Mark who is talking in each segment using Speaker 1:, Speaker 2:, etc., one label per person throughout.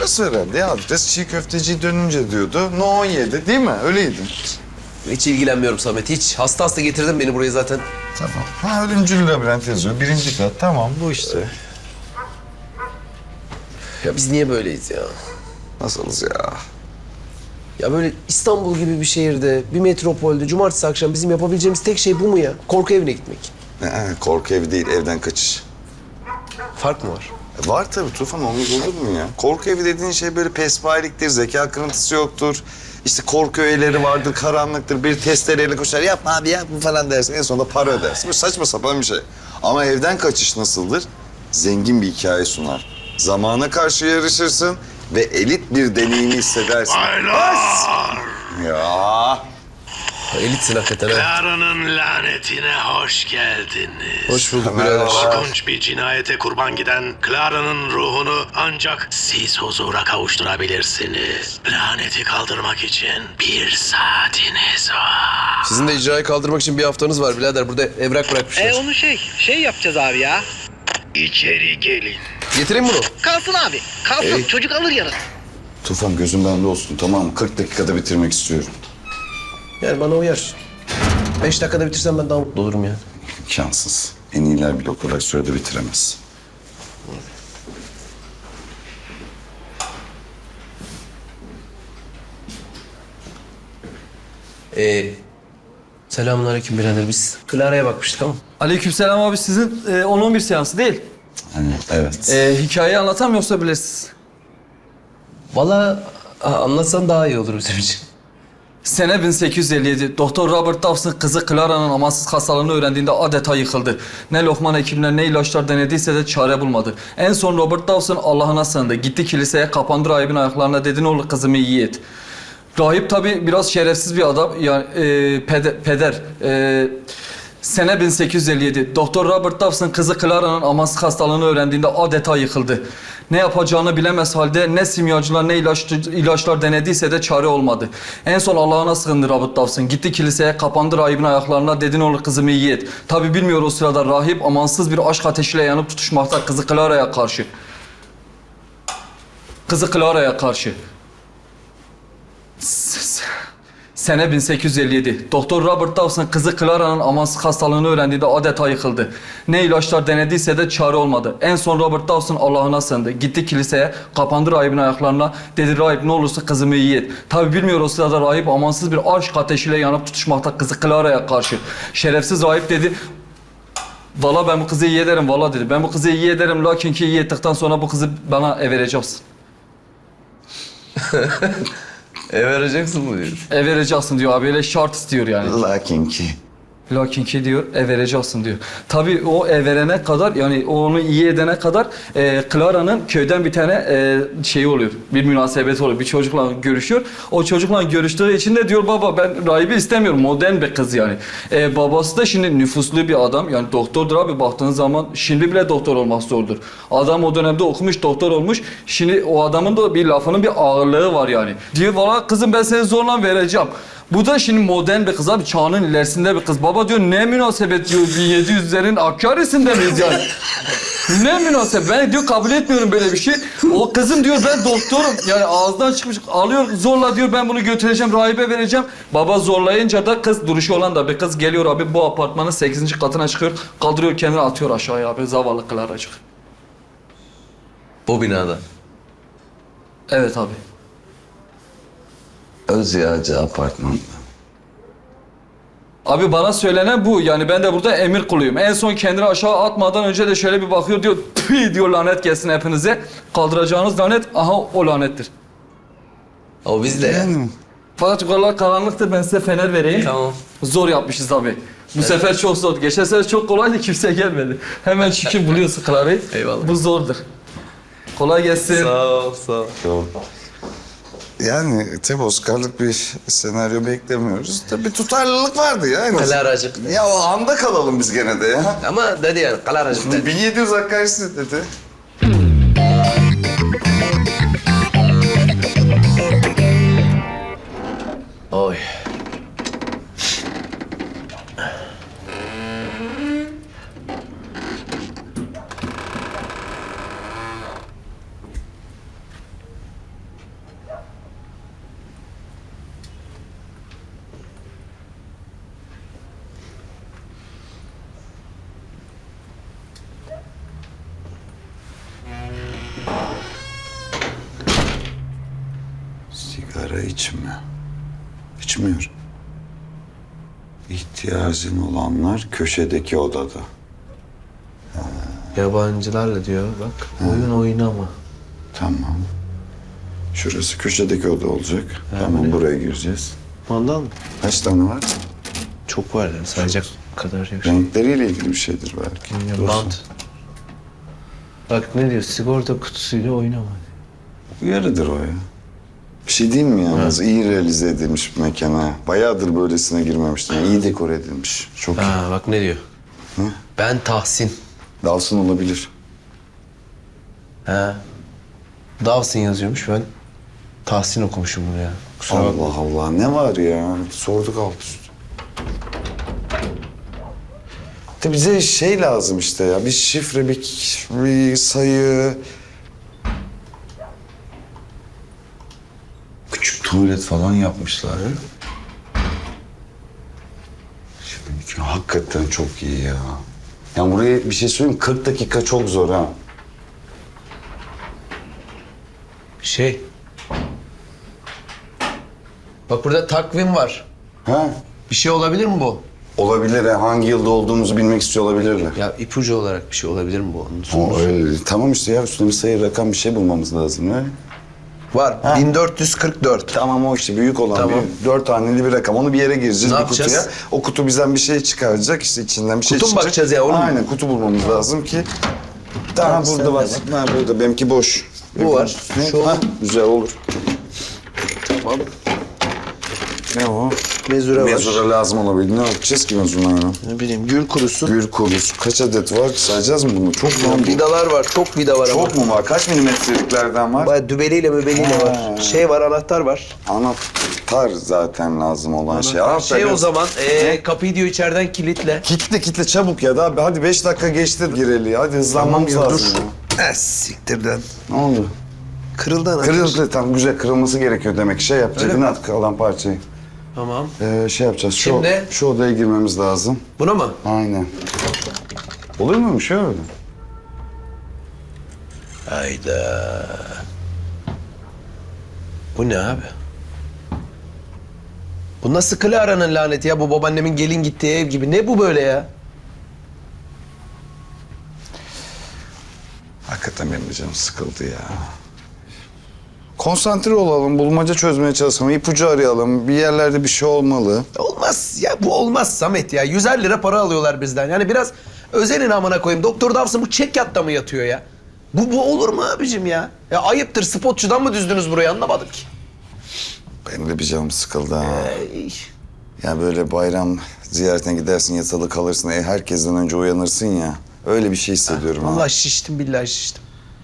Speaker 1: ters herhalde ya. Adres çiğ köfteciyi dönünce diyordu. No 17 değil mi? Öyleydi.
Speaker 2: Hiç ilgilenmiyorum Samet, hiç. Hasta hasta getirdin beni buraya zaten.
Speaker 1: Tamam. Ha ölümcül labirent yazıyor. 1. kat. Tamam bu işte.
Speaker 2: Ya biz niye böyleyiz ya?
Speaker 1: Nasılız ya?
Speaker 2: Ya böyle İstanbul gibi bir şehirde, bir metropolde cumartesi akşam bizim yapabileceğimiz tek şey bu mu ya? Korku evine gitmek.
Speaker 1: Korku evi değil, evden kaçış.
Speaker 2: Fark mı var?
Speaker 1: Var tabii Tufan, olmaz olur mu ya? Korku evi dediğin şey böyle pespayeliktir, zeka kırıntısı yoktur. İşte korku öğeleri vardır, karanlıktır, bir testereyle koşar. Yapma abi ya bu falan dersin. En sonunda para ödersin. Böyle saçma sapan bir şey. Ama evden kaçış nasıldır? Zengin bir hikaye sunar. Zamana karşı yarışırsın ve elit bir deneyimi hissedersin.
Speaker 3: Baylar!
Speaker 1: Ya.
Speaker 2: Elitsin hakikaten ha.
Speaker 3: Clara'nın lanetine hoş geldiniz.
Speaker 2: Hoş bulduk
Speaker 1: Merhaba.
Speaker 2: birader.
Speaker 3: Korkunç bir cinayete kurban giden Clara'nın ruhunu ancak siz huzura kavuşturabilirsiniz. Laneti kaldırmak için 1 saatiniz var.
Speaker 2: Sizin de icrayı kaldırmak için bir haftanız var birader. Burada evrak bırakmışlar.
Speaker 4: Onu şey yapacağız abi ya.
Speaker 3: İçeri gelin.
Speaker 2: Getireyim bunu.
Speaker 4: Kalsın abi. Kalsın. Çocuk alır yarın.
Speaker 1: Tufan gözüm bende olsun, tamam mı? 40 dakikada bitirmek istiyorum.
Speaker 2: Yani bana uyar. 5 dakikada bitirsem ben daha mutlu olurum yani.
Speaker 1: İmkansız. En iyiler bile o kadar sürede bitiremez.
Speaker 2: Selamünaleyküm birader. Biz Clara'ya bakmıştık ama.
Speaker 5: Aleykümselam abi, sizin 10-11 seansı değil.
Speaker 1: Hani evet.
Speaker 5: Hikayeyi anlatam yoksa bilirsiniz.
Speaker 2: Vallahi anlatsan daha iyi olur bizim için.
Speaker 5: Sene 1857. Doktor Robert Dawson kızı Clara'nın amansız hastalığını öğrendiğinde adeta yıkıldı. Ne lokman hekimler ne ilaçlar denediyse de çare bulmadı. En son Robert Dawson Allah'ına sığındı. Gitti kiliseye, kapandı rahibin ayaklarına, dedi ne olur kızımı iyi et. Rahip tabii biraz şerefsiz bir adam. Yani peder. Sene 1857. Doktor Robert Dawson kızı Clara'nın amansız hastalığını öğrendiğinde adeta yıkıldı. Ne yapacağını bilemez halde ne simyacılar ne ilaçlar denediyse de çare olmadı. En son Allah'ına sığındı Robert Dawson. Gitti kiliseye, kapandı rahibin ayaklarına, dedi ne olur kızımı iyi et. Tabii bilmiyor o sırada rahip amansız bir aşk ateşiyle yanıp tutuşmakta kızı Clara'ya karşı. Kızı Clara'ya karşı. Sene 1857. Doktor Robert Dawson kızı Clara'nın amansız hastalığını öğrendiğinde adeta yıkıldı. Ne ilaçlar denediyse de çare olmadı. En son Robert Dawson Allah'ına sığındı. Gitti kiliseye, kapandı rahibin ayaklarına. Dedi rahip ne olursa kızımı iyi et. Tabi bilmiyor o sırada rahip amansız bir aşk ateşiyle yanıp tutuşmakta kızı Clara'ya karşı. Şerefsiz rahip dedi, valla ben bu kızı iyi ederim valla dedi. Ben bu kızı iyi ederim lakin ki iyi ettikten sonra bu kızı bana vereceksin.
Speaker 2: vereceksin mı diyor.
Speaker 5: Vereceksin diyor abi, öyle şart istiyor yani.
Speaker 1: Lakin ki.
Speaker 5: Lakin ki diyor, vereceksin diyor. Tabii o verene kadar, yani onu iyi edene kadar Clara'nın köyden bir tane şeyi oluyor. Bir münasebeti oluyor. Bir çocukla görüşüyor. O çocukla görüştüğü için de diyor baba ben rahibi istemiyorum. Modern bir kız yani. Babası da şimdi nüfuslu bir adam. Yani doktordur abi, baktığın zaman şimdi bile doktor olmak zordur. Adam o dönemde okumuş, doktor olmuş. Şimdi o adamın da bir lafının bir ağırlığı var yani. Diyor valla kızım ben seni zorla vereceğim. Bu da şimdi modern bir kız abi, çağının ilerisinde bir kız. Baba diyor ne münasebet diyor, 1700'lerin Hakkari'sinde miyiz yani? Ne münasebet, ben diyor kabul etmiyorum böyle bir şey. O kızım diyor ben doktorum, yani ağızdan çıkmış alıyor zorla diyor ben bunu götüreceğim rahibe vereceğim. Baba zorlayınca da kız, duruşu olan da bir kız geliyor abi, bu apartmanın 8. katına çıkıyor. Kaldırıyor kendini atıyor aşağıya abi, zavallı Clara'cık.
Speaker 2: Bu binada.
Speaker 5: Evet abi.
Speaker 1: Özyağcı apartmanda.
Speaker 5: Abi bana söylenen bu. Yani ben de burada emir kuluyum. En son kendini aşağı atmadan önce de şöyle bir bakıyor diyor. Tüy diyor lanet gelsin hepinize. Kaldıracağınız lanet aha o lanettir.
Speaker 2: O biz de yani.
Speaker 5: Fakat yukarılar karanlıktır, ben size fener vereyim.
Speaker 2: Tamam.
Speaker 5: Zor yapmışız abi. Bu sefer çok zor. Geçen sefer çok kolaydı, kimse gelmedi. Hemen çünkü buluyorsun Clara'yı.
Speaker 2: Eyvallah.
Speaker 5: Bu zordur. Kolay gelsin.
Speaker 2: Sağ ol, sağ ol.
Speaker 1: Yok. Yani tabii Oscar'lık bir senaryo beklemiyoruz. Tabii tutarlılık vardı ya en azından.
Speaker 2: Clara'cık.
Speaker 1: Ya o anda kalalım biz gene de ya.
Speaker 2: Ama dedi yani Clara'cık dedi.
Speaker 1: 1700 Hakkari'si dedi.
Speaker 2: Oy.
Speaker 1: Sigara içme. İçmiyor. İhtiyacın olanlar köşedeki odada.
Speaker 2: Yabancılarla diyor bak. Oyun oynama.
Speaker 1: Tamam. Şurası köşedeki oda olacak. Tamam, buraya gireceğiz.
Speaker 2: Mandal mı?
Speaker 1: Kaç tane var?
Speaker 2: Çok var yani sayacak kadar yok.
Speaker 1: Renkleriyle ilgili bir şeydir belki.
Speaker 2: Bant. Bak ne diyor? Sigorta kutusuyla oynama.
Speaker 1: Uyarıdır o ya. Bir şey diyeyim mi yalnız? İyi realize edilmiş bir mekana. Bayağıdır böylesine girmemiştim. İyi dekor edilmiş. Çok iyi.
Speaker 2: Ha bak ne diyor? Ben Tahsin.
Speaker 1: Dalsın olabilir.
Speaker 2: Ha. Dawson yazıyormuş ben. Tahsin okumuşum bunu ya. Kusura bakma.
Speaker 1: Allah Allah, ne var ya? Sorduk alt üst. De bize şey lazım işte ya. Bir şifre, bir sayı. Küçük tuvalet falan yapmışlar. Şimdi hakikaten çok iyi ya. Yani buraya bir şey söyleyeyim, 40 dakika çok zor ha.
Speaker 2: Şey. Bak burada takvim var.
Speaker 1: Ha?
Speaker 2: Bir şey olabilir mi bu?
Speaker 1: Olabilir ha. Hangi yılda olduğumuzu bilmek istiyor olabilirler.
Speaker 2: Ya ipucu olarak bir şey olabilir mi bu? Onun
Speaker 1: O öyle. Tamam işte ya, üstüne bir sayı, rakam, bir şey bulmamız lazım öyle.
Speaker 2: Var. 1444.
Speaker 1: Tamam, o işte büyük olan
Speaker 2: Tamam.
Speaker 1: bir 4 haneli bir rakam. Onu bir yere gireceğiz,
Speaker 2: Ne
Speaker 1: bir
Speaker 2: yapacağız?
Speaker 1: kutuya. O kutu bizden bir şey çıkaracak, işte içinden bir şey
Speaker 2: Kutu mu
Speaker 1: çıkacak.
Speaker 2: bakacağız ya, onu mu?
Speaker 1: Aynen, kutu bulmamız lazım ki. Tamam, burada
Speaker 2: sende
Speaker 1: var.
Speaker 2: var.
Speaker 1: Ha, burada, benimki boş.
Speaker 2: Bu var.
Speaker 1: Ne?
Speaker 2: Şu
Speaker 1: Ha,
Speaker 2: olur.
Speaker 1: güzel olur.
Speaker 2: Tamam.
Speaker 1: Ne o?
Speaker 2: Mezure var.
Speaker 1: Mezura lazım olabilir. Ne yapacağız ki mezurayla?
Speaker 2: Ne bileyim gül kurusu.
Speaker 1: Gül kurusu. Kaç adet var? Sayacağız mı bunu? Çok mu?
Speaker 2: Vidalar var. Çok vida var ama.
Speaker 1: Çok mu var? Kaç milimetreliklerden var?
Speaker 2: Bayağı dübeliyle mübeliyle
Speaker 1: Ha.
Speaker 2: var. Şey var, anahtar var.
Speaker 1: Anahtar zaten lazım olan şey. Anahtar
Speaker 2: Şey o
Speaker 1: biraz-
Speaker 2: zaman kapıyı diyor içeriden kilitle.
Speaker 1: Kitle çabuk ya da abi, hadi 5 dakika geçti gireli. Hadi hızlanmamız
Speaker 2: Tamam ya,
Speaker 1: lazım.
Speaker 2: dur.
Speaker 1: Ya.
Speaker 2: Siktirden.
Speaker 1: Ne oldu?
Speaker 2: Kırıldı anahtar.
Speaker 1: Kırıldı, tam güzel, kırılması gerekiyor demek. Şey yapacak,
Speaker 2: Öyle mi?
Speaker 1: at kalan parçayı.
Speaker 2: Tamam.
Speaker 1: Şey yapacağız,
Speaker 2: Şimdi?
Speaker 1: şu odaya girmemiz lazım.
Speaker 2: Buna mı?
Speaker 1: Aynen. Olur mu şey öyle?
Speaker 2: Hayda. Bu ne abi? Bu nasıl Clara'nın laneti ya? Bu babaannemin gelin gittiği ev gibi. Ne bu böyle ya?
Speaker 1: Hakikaten benim de canım sıkıldı ya. Konsantre olalım, bulmaca çözmeye çalışalım, ipucu arayalım. Bir yerlerde bir şey olmalı.
Speaker 2: Olmaz ya, bu olmaz Samet ya. 150 lira para alıyorlar bizden. Yani biraz özenin amına koyayım. Doktor Dawson bu çek yatta mı yatıyor ya? Bu olur mu abicim ya? Ya ayıptır, spotçudan mı düzdünüz burayı, anlamadım ki.
Speaker 1: Benim de bir canım sıkıldı ha.
Speaker 2: Ey.
Speaker 1: Ya böyle bayram ziyaretine gidersin, yatılı kalırsın, herkesten önce uyanırsın ya. Öyle bir şey hissediyorum ha.
Speaker 2: Vallahi şiştim, billahi şiştim.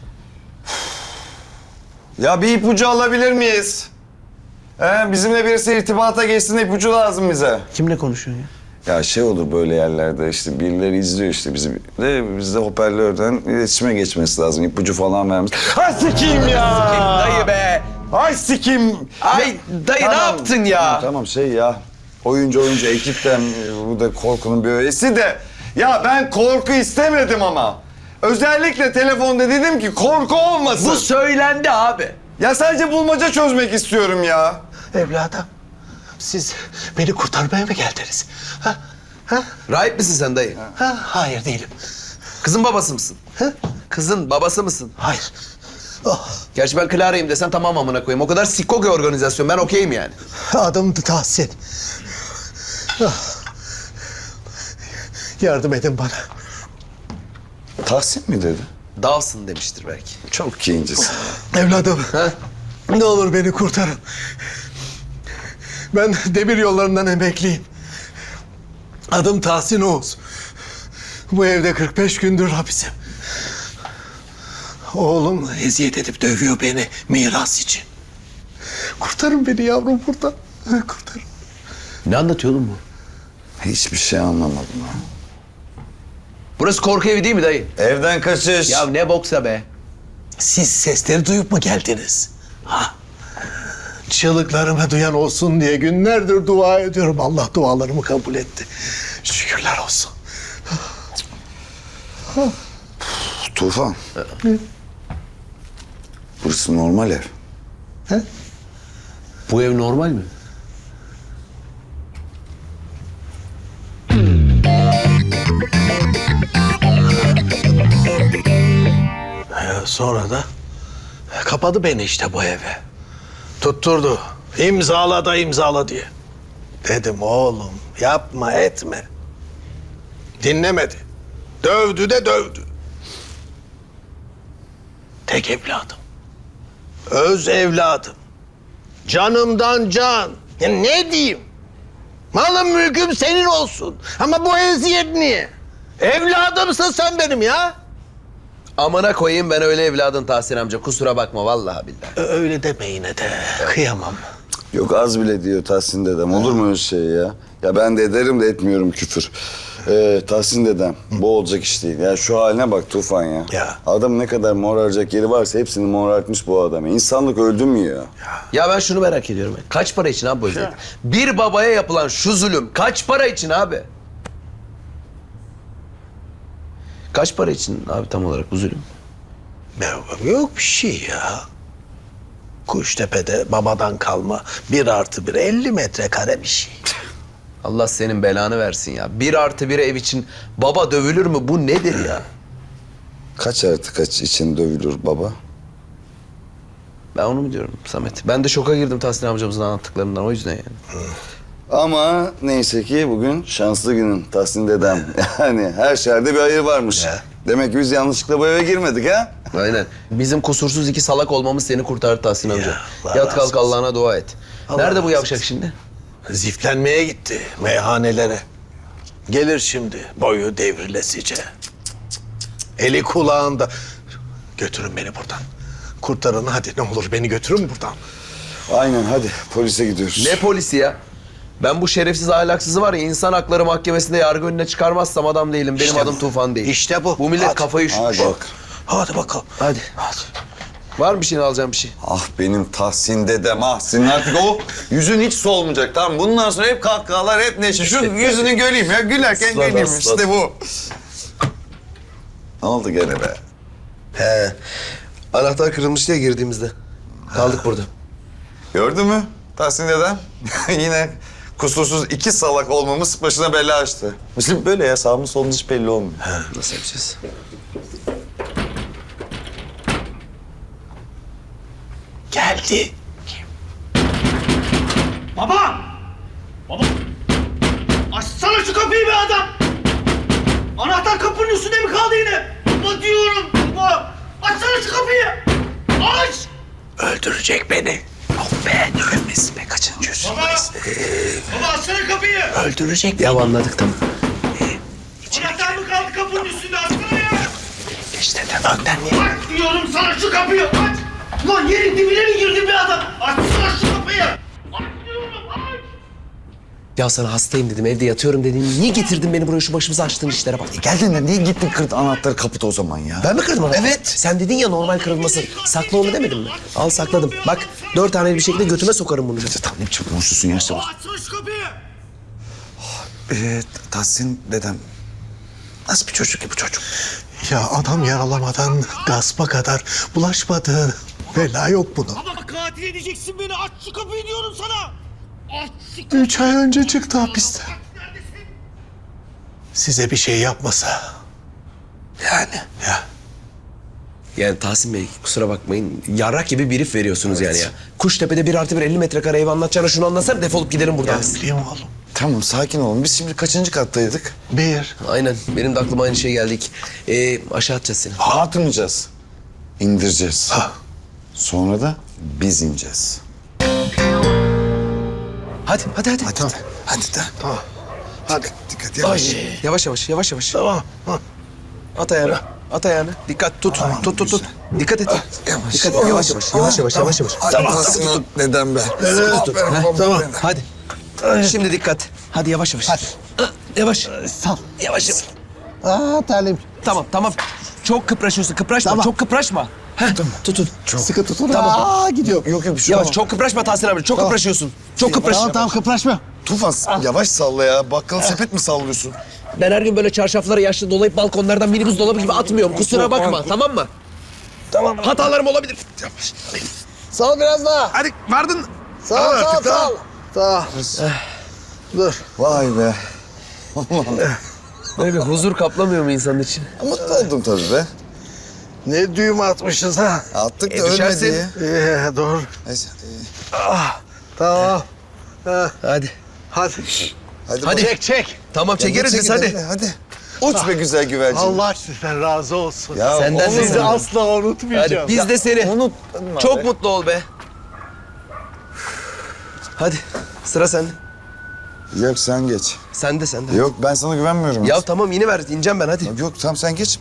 Speaker 1: Ya bir ipucu alabilir miyiz? Bizimle birisi irtibata geçsin, ipucu lazım bize.
Speaker 2: Kimle konuşuyorsun ya?
Speaker 1: Ya şey olur böyle yerlerde, işte birileri izliyor işte bizi. Biz de hoparlörden iletişime geçmesi lazım, ipucu falan vermemiz. Ay sikeyim ya!
Speaker 2: Dayı be!
Speaker 1: Ay sikeyim!
Speaker 2: Ay dayı ne yaptın ya?
Speaker 1: Tamam şey ya, oyuncu ekipten bu da korkunun bir öğesi de. Ya ben korku istemedim ama. Özellikle telefonda dedim ki korku olmasın.
Speaker 2: Bu söylendi abi.
Speaker 1: Ya sadece bulmaca çözmek istiyorum ya.
Speaker 2: Evladım, siz beni kurtarmaya mı geldiniz? Ha? Ha? Rahip misin sen dayı? Ha? Hayır değilim. Kızın babası mısın? Ha? Kızın babası mısın? Hayır. Oh. Gerçi ben Clara'yım desen tamam amına koyayım. O kadar sikko ki organizasyon. Ben okeyim yani.
Speaker 6: Adım Tahsin. Ah. Yardım edin bana.
Speaker 1: Tahsin mi dedi?
Speaker 2: Dawson demiştir belki.
Speaker 1: Çok kincisin.
Speaker 6: Evladım,
Speaker 2: Ha?
Speaker 6: ne olur beni kurtarın. Ben demir yollarından emekliyim. Adım Tahsin Oğuz. Bu evde 45 gündür hapisim. Oğlum eziyet edip dövüyor beni miras için. Kurtarın beni yavrum buradan. Kurtarın.
Speaker 2: Ne anlatıyor oğlum bu?
Speaker 1: Hiçbir şey anlamadım ha.
Speaker 2: Burası korku evi değil mi dayı?
Speaker 1: Evden kaçış.
Speaker 2: Ya ne boksa be.
Speaker 6: Siz sesleri duyup mu geldiniz? Ha? Çığlıklarımı duyan olsun diye günlerdir dua ediyorum. Allah dualarımı kabul etti. Şükürler olsun.
Speaker 1: Tufan. Burası normal ev.
Speaker 6: He?
Speaker 2: Bu ev normal mi?
Speaker 6: Sonra da kapadı beni işte bu eve. Tutturdu. İmzala da imzala diye. Dedim oğlum yapma etme. Dinlemedi. Dövdü de dövdü. Tek evladım. Öz evladım. Canımdan can. Ya ne diyeyim? Malım mülküm senin olsun. Ama bu eziyet niye? Evladımsın sen benim ya.
Speaker 2: Amına koyayım ben öyle evladın Tahsin amca. Kusura bakma vallahi billahi.
Speaker 6: Öyle deme yine de. Kıyamam.
Speaker 1: Yok az bile diyor Tahsin dedem. Olur mu öyle şey ya? Ya ben de ederim de etmiyorum küfür. Tahsin dedem bu olacak iş değil. Ya şu haline bak Tufan ya.
Speaker 6: Ya.
Speaker 1: Adam ne kadar moraracak yeri varsa hepsini morartmış bu adam. İnsanlık öldü mü ya?
Speaker 2: Ya ben şunu merak ediyorum. Kaç para için abi bu eziyet? Bir babaya yapılan şu zulüm kaç para için abi? Kaç para için abi tam olarak bu zulüm?
Speaker 6: Ya, yok bir şey ya. Kuştepe'de babadan kalma 1+1 50 metrekare bir şey.
Speaker 2: Allah senin belanı versin ya. 1+1 ev için baba dövülür mü? Bu nedir ya?
Speaker 1: Kaç artı kaç için dövülür baba?
Speaker 2: Ben onu mu diyorum Samet? Ben de şoka girdim Tahsin amcamızın anlattıklarından o yüzden yani.
Speaker 1: Ama neyse ki bugün şanslı günün Tahsin dedem. Yani her şerde bir hayır varmış.
Speaker 6: Ya.
Speaker 1: Demek ki biz yanlışlıkla bu eve girmedik ha?
Speaker 2: Aynen. Bizim kusursuz iki salak olmamız seni kurtardı Tahsin amca.
Speaker 6: Allah
Speaker 2: Yat
Speaker 6: razı
Speaker 2: kalk
Speaker 6: olsun.
Speaker 2: Allah'ına dua et.
Speaker 6: Allah
Speaker 2: Nerede bu
Speaker 6: razı
Speaker 2: yavşak
Speaker 6: olsun.
Speaker 2: şimdi?
Speaker 6: Ziflenmeye gitti meyhanelere. Gelir şimdi boyu devrilesice. Eli kulağında. Götürün beni buradan. Kurtarın hadi ne olur beni götürün buradan.
Speaker 1: Aynen hadi polise gidiyoruz.
Speaker 2: Ne polisi ya? Ben bu şerefsiz ahlaksızı var ya insan hakları mahkemesinde yargı önüne çıkarmazsam adam değilim. Benim
Speaker 6: İşte
Speaker 2: adım
Speaker 6: bu.
Speaker 2: Tufan değil.
Speaker 6: İşte bu.
Speaker 2: Bu millet
Speaker 6: Hadi.
Speaker 2: kafayı üşütmüş.
Speaker 1: Hadi bak.
Speaker 6: Hadi bakalım.
Speaker 2: Hadi. Var mı bir şeyini alacağım bir şey?
Speaker 1: Ah benim Tahsin dedem ah. Senin artık o yüzün hiç solmayacak tamam. Bundan sonra hep kahkahalar hep neşe. Şu yüzünü göreyim ya gülerken
Speaker 2: Aslan,
Speaker 1: göreyim
Speaker 2: aslan.
Speaker 1: işte bu. Ne oldu gene be?
Speaker 2: He. Anahtar kırılmış diye girdiğimizde. Kaldık burada.
Speaker 1: Gördün mü Tahsin dedem? Yine kusursuz iki salak olmamız başına bela açtı. Bizim böyle ya sağımız solumuz hiç belli olmuyor.
Speaker 2: Nasıl yapacağız?
Speaker 6: Geldi.
Speaker 7: Baba! Baba! Açsana şu kapıyı be adam! Anahtar kapının üstünde mi kaldı yine? Baba diyorum baba! Açsana şu kapıyı! Aç!
Speaker 6: Öldürecek beni. Yok be ölmesin be kaçıncı yüzü.
Speaker 7: Baba! Baba açsana kapıyı!
Speaker 6: Öldürecek
Speaker 2: Ya
Speaker 6: beni.
Speaker 2: anladık tamam.
Speaker 7: Anahtar mı kaldı kapının üstünde? Açsana ya!
Speaker 6: İşte de önden niye?
Speaker 7: Aç diyorum sana şu kapıyı! Aç! Ulan yerin dibine mi girdin be adam? Açsana şu kapıyı! Aç diyorum aç!
Speaker 2: Ya sana hastayım dedim evde yatıyorum dedim. Niye getirdin beni buraya şu başımıza açtığın işlere bak.
Speaker 1: Geldin de niye gittin kırdın anahtarı kapıda o zaman ya?
Speaker 2: Ben mi kırdım onu?
Speaker 1: Evet.
Speaker 2: Sen dedin ya normal kırılması. Sakla onu demedim mi? Al sakladım. Bak 4 tane bir şekilde götüme sokarım bunu.
Speaker 1: Tamam ne biçim konuşuyorsun ya işte bak.
Speaker 7: Açsana şu kapıyı!
Speaker 1: Tahsin dedem nasıl bir çocuk ki bu çocuk?
Speaker 6: Ya adam yaralamadan gaspa kadar bulaşmadı. Bela yok bunun.
Speaker 7: Baba katil edeceksin beni! Aç şu kapıyı diyorum sana! Aç şu
Speaker 6: 3 ay önce çıktı hapisten.
Speaker 7: Neredesin?
Speaker 6: Size bir şey yapmasa. Yani. Ya.
Speaker 2: Yani Tahsin Bey kusura bakmayın. Yarrak gibi bir herif veriyorsunuz yani ya. Kuştepe'de 1+1 50 metrekare ev anlatacağına şunu anlatsana defolup gidelim buradan.
Speaker 6: Ya bileyim oğlum.
Speaker 1: Tamam sakin olun. Biz şimdi kaçıncı kattaydık?
Speaker 6: 1.
Speaker 2: Aynen benim de aklıma aynı şey geldi. Aşağı atacağız seni.
Speaker 1: Atmayacağız. İndireceğiz.
Speaker 6: Ha.
Speaker 1: Sonra da biz ineceğiz.
Speaker 2: Hadi.
Speaker 6: Tamam.
Speaker 1: Hadi de.
Speaker 6: Tamam. Hadi.
Speaker 1: Dikkat yavaş.
Speaker 2: Yavaş.
Speaker 6: Tamam. Ha.
Speaker 2: At ayağını. At ayağını. Dikkat tut. Tut. Dikkat et.
Speaker 1: Yavaş.
Speaker 2: Dikkat et. Yavaş.
Speaker 1: Sen Tahsin'in dedem be.
Speaker 6: Tamam.
Speaker 2: Hadi. Şimdi dikkat. Hadi yavaş. Hadi. Yavaş.
Speaker 6: Sal.
Speaker 2: Yavaş.
Speaker 6: Aa terlim.
Speaker 2: Tamam. Çok kıpraşıyorsun. Kıpraşma.
Speaker 6: Tamam.
Speaker 2: Çok kıpraşma. Heh, tutun.
Speaker 6: Sıkı tutun.
Speaker 2: Tamam.
Speaker 6: Aa gidiyor.
Speaker 1: Yok bir şey
Speaker 2: Yavaş.
Speaker 1: olmaz.
Speaker 2: Çok kıpraşma Tahsin abi. Çok kıpraşıyorsun. Çok kıpraş.
Speaker 6: Tamam kıpraşma.
Speaker 1: Tufan yavaş salla ya. Bakkal sepet mi sallıyorsun?
Speaker 2: Ben her gün böyle çarşaflara yaşlı dolayıp balkonlardan minibüs dolabı gibi atmıyorum. Kusura bakma. Tamam mı?
Speaker 6: Tamam.
Speaker 2: Hatalarım olabilir.
Speaker 6: Sal biraz daha.
Speaker 2: Hadi vardın.
Speaker 6: Sağ ol, sağ ol, sağ ol. Sağ ol. Dur.
Speaker 1: Vay be.
Speaker 2: Böyle huzur kaplamıyor mu insanın için?
Speaker 1: Mutlu oldum tabii be.
Speaker 6: Ne düğüm atmışız ha.
Speaker 1: Attık da
Speaker 2: düşersin.
Speaker 1: ölmedi ya.
Speaker 6: Doğru.
Speaker 1: Neyse.
Speaker 6: Tamam. Ha,
Speaker 2: Hadi.
Speaker 6: hadi.
Speaker 2: Hadi.
Speaker 6: Çek, çek.
Speaker 2: Tamam çekeriz biz hadi.
Speaker 1: Hadi. Uç be güzel güvercin.
Speaker 6: Allah sizden razı olsun.
Speaker 1: Ya,
Speaker 2: Senden
Speaker 1: olur
Speaker 2: de
Speaker 1: mu?
Speaker 6: Sizi asla unutmayacağım.
Speaker 2: Hadi biz de seni.
Speaker 1: Unutma
Speaker 2: Çok
Speaker 1: be.
Speaker 2: mutlu ol be. Hadi sıra sende.
Speaker 1: Yok sen geç.
Speaker 2: Sen de.
Speaker 1: Yok ben sana güvenmiyorum.
Speaker 2: Ya tamam yine ver ineceğim ben hadi.
Speaker 1: Yok tamam sen geç.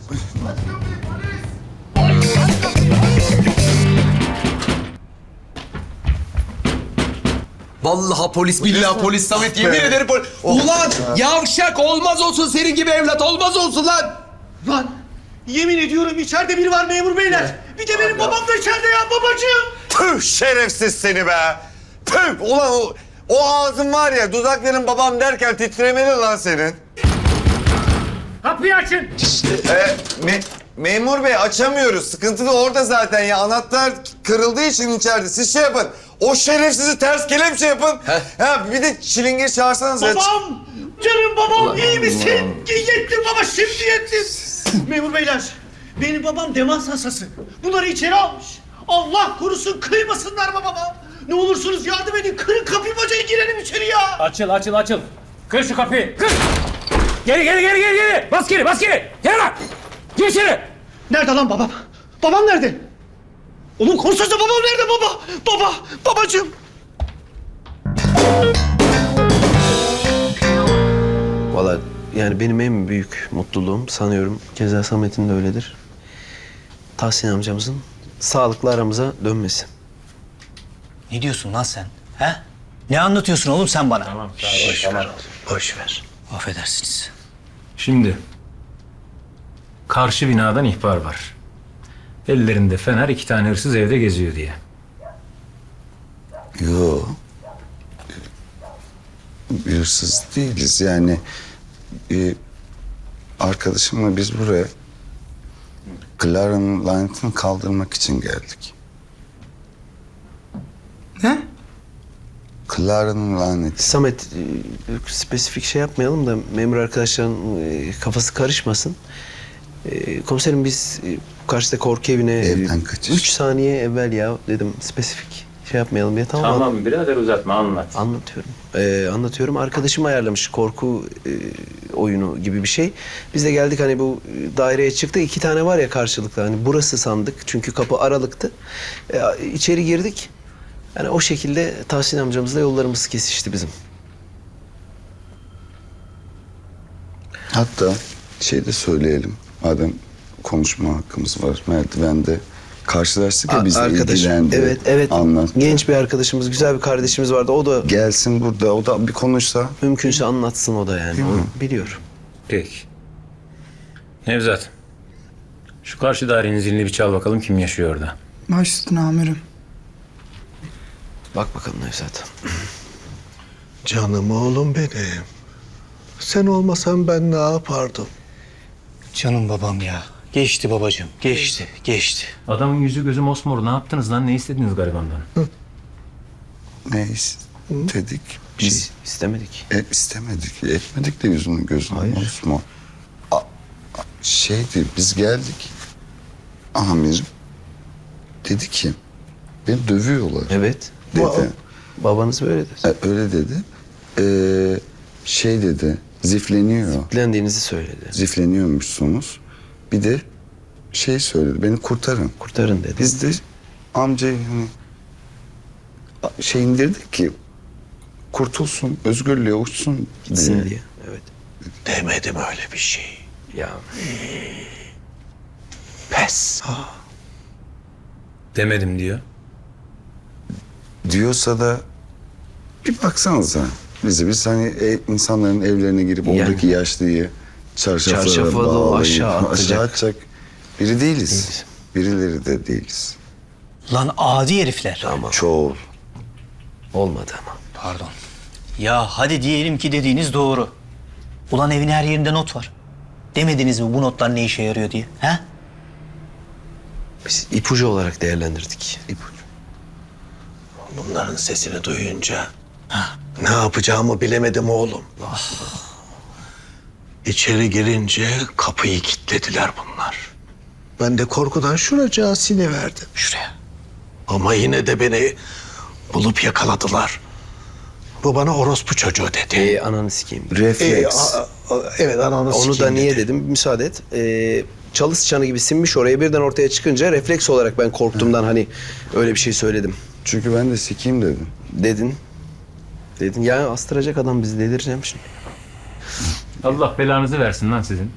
Speaker 2: Vallahi polis billahi polis Samet yemin ederim polis. Ulan yavşak olmaz olsun senin gibi evlat olmaz olsun lan.
Speaker 7: Lan yemin ediyorum içeride biri var memur beyler. Bir de benim babam da içeride ya babacığım.
Speaker 1: Püh şerefsiz seni be. Püh ulan o ağzın var ya dudakların babam derken titremeli lan senin.
Speaker 7: Kapıyı açın.
Speaker 1: Memur bey açamıyoruz. Sıkıntı da orada zaten ya. Anahtar kırıldığı için içeride. Siz şey yapın. O şerefsizi ters kelepçe yapın. Ha bir de çilingir çağırsanız.
Speaker 7: Babam! Canım babam iyi misin? Yettim baba şimdi yettim. Memur beyler benim babam demans hastası. Bunları içeri almış. Allah korusun kıymasınlar babama. Ne olursunuz yardım edin. Kırın kapıyı bacayı girelim içeri ya.
Speaker 8: Açıl. Kır şu kapıyı. Kır. Geri. Bas geri. Gel lan. Gir içeri.
Speaker 7: Nerede lan babam? Babam nerede? Oğlum konuşsana babam nerede baba? Babacığım.
Speaker 9: Valla yani benim en büyük mutluluğum sanıyorum keza Samet'in de öyledir. Tahsin amcamızın sağlıklı aramıza dönmesi.
Speaker 10: Ne diyorsun lan sen? He? Ne anlatıyorsun oğlum sen bana?
Speaker 8: Tamam.
Speaker 9: Boş ver.
Speaker 10: Affedersiniz.
Speaker 8: Şimdi karşı binadan ihbar var. Ellerinde fener 2 tane hırsız evde geziyor diye.
Speaker 1: Yo. Hırsız değiliz yani. Arkadaşımla biz buraya Clara'nın lanetini kaldırmak için geldik.
Speaker 10: Ne?
Speaker 1: Clara'nın laneti.
Speaker 9: Samet spesifik şey yapmayalım da memur arkadaşların kafası karışmasın. Komiserim biz karşıda korku evine
Speaker 1: Evden kaçış.
Speaker 9: 3 saniye evvel ya dedim spesifik şey yapmayalım diye tamam mı?
Speaker 8: birader uzatma anlat.
Speaker 9: Anlatıyorum. Arkadaşım ayarlamış korku oyunu gibi bir şey. Biz de geldik hani bu daireye çıktık. 2 tane var ya karşılıklı. Hani burası sandık. Çünkü kapı aralıktı. İçeri girdik. Yani o şekilde Tahsin amcamızla yollarımız kesişti bizim.
Speaker 1: Hatta şey de söyleyelim. Madem konuşma hakkımız var. Merdivende karşılaştık ya bizle ilgilendi.
Speaker 9: Evet.
Speaker 1: Anlat.
Speaker 9: Genç bir arkadaşımız, güzel bir kardeşimiz vardı. O da
Speaker 1: Gelsin burada. O da bir konuşsa.
Speaker 9: mümkünse anlatsın o da yani. O biliyor.
Speaker 8: Peki. Nevzat. Şu karşı dairenin zilini bir çal bakalım kim yaşıyor orada.
Speaker 11: Baş üstüne amirim.
Speaker 9: Bak bakalım Nevzat.
Speaker 6: Canım oğlum benim. Sen olmasan ben ne yapardım?
Speaker 10: Canım babam ya. Geçti babacığım. Geçti.
Speaker 8: Adamın yüzü gözü mosmor. Ne yaptınız lan? Ne istediniz garibandan?
Speaker 1: Ne istedik? Biz
Speaker 9: İstemedik.
Speaker 1: istemedik. Etmedik de yüzünü gözünü. Osman. Şeydi biz geldik. Amirim dedi ki beni dövüyorlar
Speaker 9: Evet.
Speaker 1: dedi.
Speaker 9: Babanız böyle dedi.
Speaker 1: Öyle dedi. Şey dedi zifleniyor.
Speaker 9: Dilendiğinizi söyledi.
Speaker 1: Zifleniyormuşsunuz. Bir de şey söyledi beni kurtarın.
Speaker 9: Kurtarın dedi.
Speaker 1: Biz de amcayı hani şey indirdik ki kurtulsun, özgürlüğe uçsun
Speaker 9: Gitsin diye. Evet.
Speaker 6: Demedim öyle bir şey.
Speaker 9: Ya
Speaker 6: Pes.
Speaker 8: Demedim diyor.
Speaker 1: Diyorsa da bir baksanıza. Biz hani insanların evlerine girip
Speaker 9: Yani.
Speaker 1: oradaki yaşlıyı çarşaflara
Speaker 9: Çarşafa da
Speaker 1: bağlayıp
Speaker 9: aşağı atacak.
Speaker 1: atacak biri değiliz. Birileri de değiliz.
Speaker 10: Lan adi herifler.
Speaker 9: Tamam.
Speaker 1: Çoğul.
Speaker 9: Olmadı ama.
Speaker 10: Pardon. Ya hadi diyelim ki dediğiniz doğru. Ulan evin her yerinde not var. Demediniz mi bu notlar ne işe yarıyor diye? He?
Speaker 9: Biz ipucu olarak değerlendirdik.
Speaker 1: İpucu.
Speaker 6: Bunların sesini duyunca ne yapacağımı bilemedim oğlum. İçeri girince kapıyı kilitlediler bunlar. Ben de korkudan şuracığa siniverdim.
Speaker 10: Şuraya.
Speaker 6: Ama yine de beni bulup yakaladılar. Bu bana orospu çocuğu dedi.
Speaker 9: Ananı sikeyim.
Speaker 1: Refleks.
Speaker 6: Evet, ananı
Speaker 9: Onu da
Speaker 6: sikeyim
Speaker 9: niye
Speaker 6: dedi.
Speaker 9: dedim? Müsaade et. Çalı çanı gibi sinmiş oraya birden ortaya çıkınca refleks olarak ben korktuğumdan hani öyle bir şey söyledim.
Speaker 1: Çünkü ben de sikeyim dedim.
Speaker 9: Dedin. Ya astıracak adam bizi, delireceğim şimdi.
Speaker 8: Allah belanızı versin lan sizin.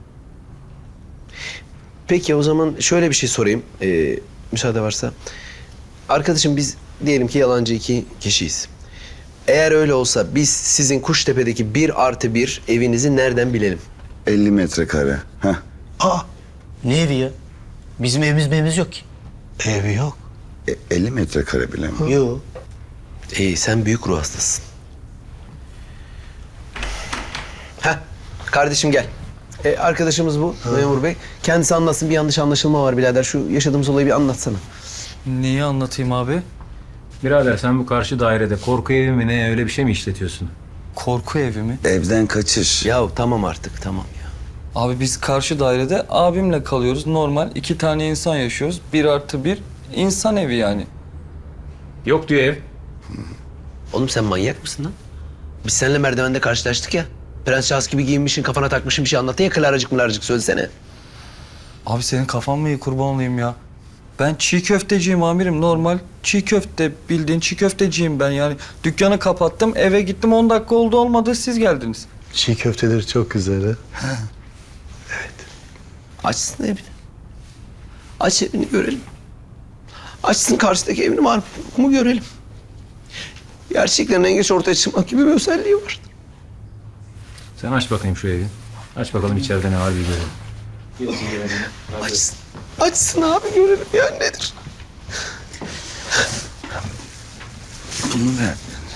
Speaker 9: Peki o zaman şöyle bir şey sorayım. Müsaade varsa. Arkadaşım biz diyelim ki yalancı 2 kişiyiz. Eğer öyle olsa biz sizin Kuştepe'deki 1+1 evinizi nereden bilelim?
Speaker 1: 50 metrekare. Heh.
Speaker 10: Ne evi ya? Bizim evimiz yok ki.
Speaker 6: Evi yok.
Speaker 1: 50 metrekare bile mi?
Speaker 10: Yok.
Speaker 9: Sen büyük ruh hastasın. Kardeşim gel. Arkadaşımız bu memur bey. Kendisi anlatsın, bir yanlış anlaşılma var birader. Şu yaşadığımız olayı bir anlatsana.
Speaker 5: Neyi anlatayım abi?
Speaker 8: Birader sen bu karşı dairede korku evi mi ne öyle bir şey mi işletiyorsun?
Speaker 5: Korku evi mi?
Speaker 1: Evden kaçış.
Speaker 9: Ya tamam artık, tamam ya.
Speaker 5: Abi biz karşı dairede abimle kalıyoruz. Normal 2 tane insan yaşıyoruz. 1+1 insan evi yani.
Speaker 8: Yok diyor ev.
Speaker 9: Oğlum sen manyak mısın lan? Biz seninle merdivende karşılaştık ya. Prens Charles gibi giyinmişsin, kafana takmışsın bir şey anlattın ya, klaracık mılarcık söylesene.
Speaker 5: Abi senin kafan mı iyi, kurban olayım ya? Ben çiğ köfteciyim amirim, normal. Çiğ köfte, bildiğin çiğ köfteciyim ben yani. Dükkanı kapattım, eve gittim, 10 dakika oldu olmadı siz geldiniz.
Speaker 6: Çiğ köfteleri çok güzel ha.
Speaker 9: Açsın evini. Aç evini görelim. Açsın karşıdaki evini var mı görelim. Gerçeklerin en geç ortaya çıkmak gibi bir özelliği var.
Speaker 8: Sen aç bakayım şu evi. Aç bakalım içeride ne var bir görelim.
Speaker 9: Açsın. Açsın abi görelim ya, nedir?
Speaker 1: Bunu ver.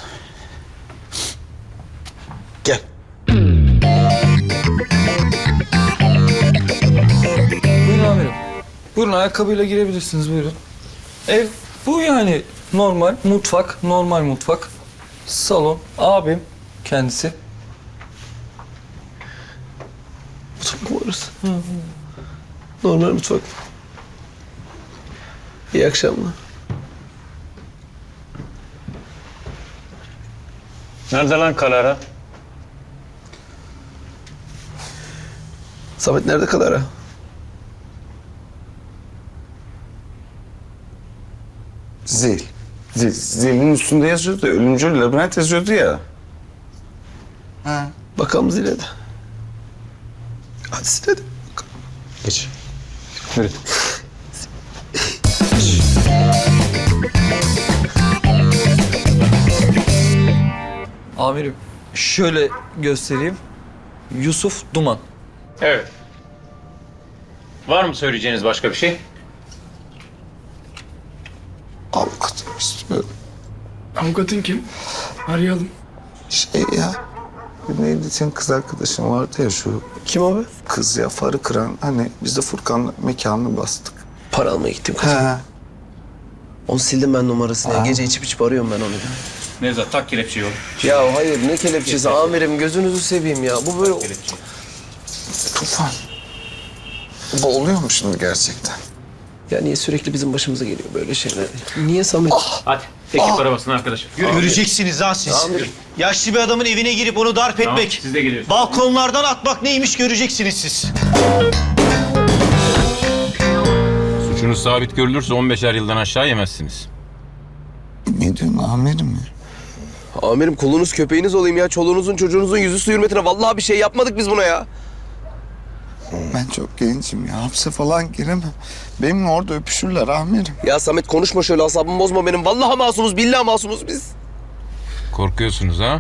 Speaker 6: Gel.
Speaker 5: Buyurun amirim. Buyurun, ayakkabıyla girebilirsiniz, buyurun. Ev bu yani, normal mutfak, normal mutfak. Salon, abim kendisi.
Speaker 9: Mutfak mı orası? Normal mutfak. İyi akşamlar.
Speaker 8: Nerede lan Kalara?
Speaker 9: Samet nerede kadar ha?
Speaker 1: Zil. Zilin üstünde yazıyordu. Ölümcül labirent yazıyordu ya.
Speaker 9: Bakalım zile de. Hadi zile de.
Speaker 8: Geç. Yürü.
Speaker 5: Amirim şöyle göstereyim. Yusuf Duman.
Speaker 8: Evet. Var mı söyleyeceğiniz başka bir şey?
Speaker 1: Avukatım istiyorum.
Speaker 11: Avukatın kim? Arayalım.
Speaker 1: Şey ya. Neydi senin kız arkadaşın vardı ya şu.
Speaker 9: Kim abi?
Speaker 1: Kız ya, farı kıran. Hani biz de Furkan'la mekanını bastık.
Speaker 9: Para almaya gittim kızım.
Speaker 1: He.
Speaker 9: Onu sildim ben numarasını. Ya. Gece içip arıyorum ben onu.
Speaker 8: Nevzat tak kelepçeyi oğlum.
Speaker 9: Ya hayır, ne kelepçesi amirim, gözünüzü seveyim ya. Bu böyle...
Speaker 1: Tufan. Bu oluyor mu şimdi gerçekten?
Speaker 9: Ya niye sürekli bizim başımıza geliyor böyle şeyler? Niye Samet?
Speaker 8: Hadi tek arabasına arkadaşım. Yürü.
Speaker 6: Göreceksiniz ha siz. Yaşlı bir adamın evine girip onu darp
Speaker 8: Tamam,
Speaker 6: etmek,
Speaker 8: siz de geliyorsunuz.
Speaker 6: balkonlardan atmak neymiş göreceksiniz siz.
Speaker 8: Suçunuz sabit görülürse 15'er yıldan aşağı yemezsiniz.
Speaker 1: Ne diyorsun amirim ya?
Speaker 9: Amirim kulunuz köpeğiniz olayım ya. Çoluğunuzun çocuğunuzun yüzü su hürmetine. Vallahi bir şey yapmadık biz buna ya.
Speaker 1: Ben çok gencim ya. Hapse falan giremem. Benimle orada öpüşürler amirim.
Speaker 9: Ya Samet konuşma şöyle, asabımı bozma benim. Vallahi masumuz, billahi masumuz biz.
Speaker 8: Korkuyorsunuz ha?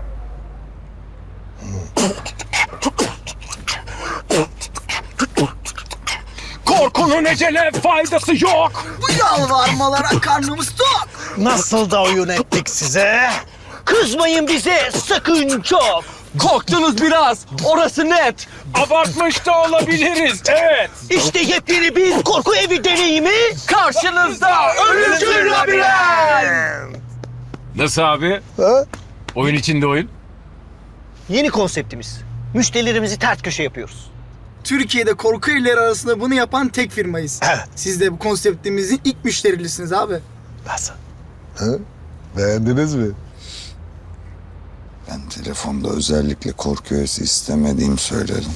Speaker 8: Korkunun ecele faydası yok.
Speaker 7: Bu yalvarmalara karnımız tok.
Speaker 6: Nasıl da oyun ettik size?
Speaker 7: Kızmayın bize sakın çok.
Speaker 5: Korktunuz biraz, orası net.
Speaker 8: Abartmış da olabiliriz, evet.
Speaker 7: İşte yepyeni bir korku evi deneyimi.
Speaker 5: Karşınızda
Speaker 7: Ölümcül labirent.
Speaker 8: Nasıl abi?
Speaker 6: Ha?
Speaker 8: Oyun içinde oyun.
Speaker 4: Yeni konseptimiz. Müşterilerimizi ters köşe yapıyoruz.
Speaker 11: Türkiye'de korku evleri arasında bunu yapan tek firmayız. Siz de bu konseptimizin ilk müşterilisiniz abi.
Speaker 6: Nasıl?
Speaker 1: Beğendiniz mi? Ben telefonda özellikle korku öğesi istemediğimi söyledim.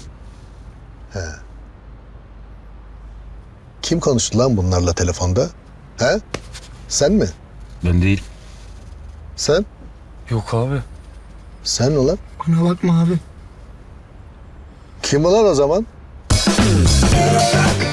Speaker 6: Kim konuştu lan bunlarla telefonda? He? Sen mi?
Speaker 8: Ben değil.
Speaker 6: Sen?
Speaker 5: Yok abi.
Speaker 6: Sen ulan?
Speaker 11: Bana bakma abi.
Speaker 6: Kim ulan o zaman?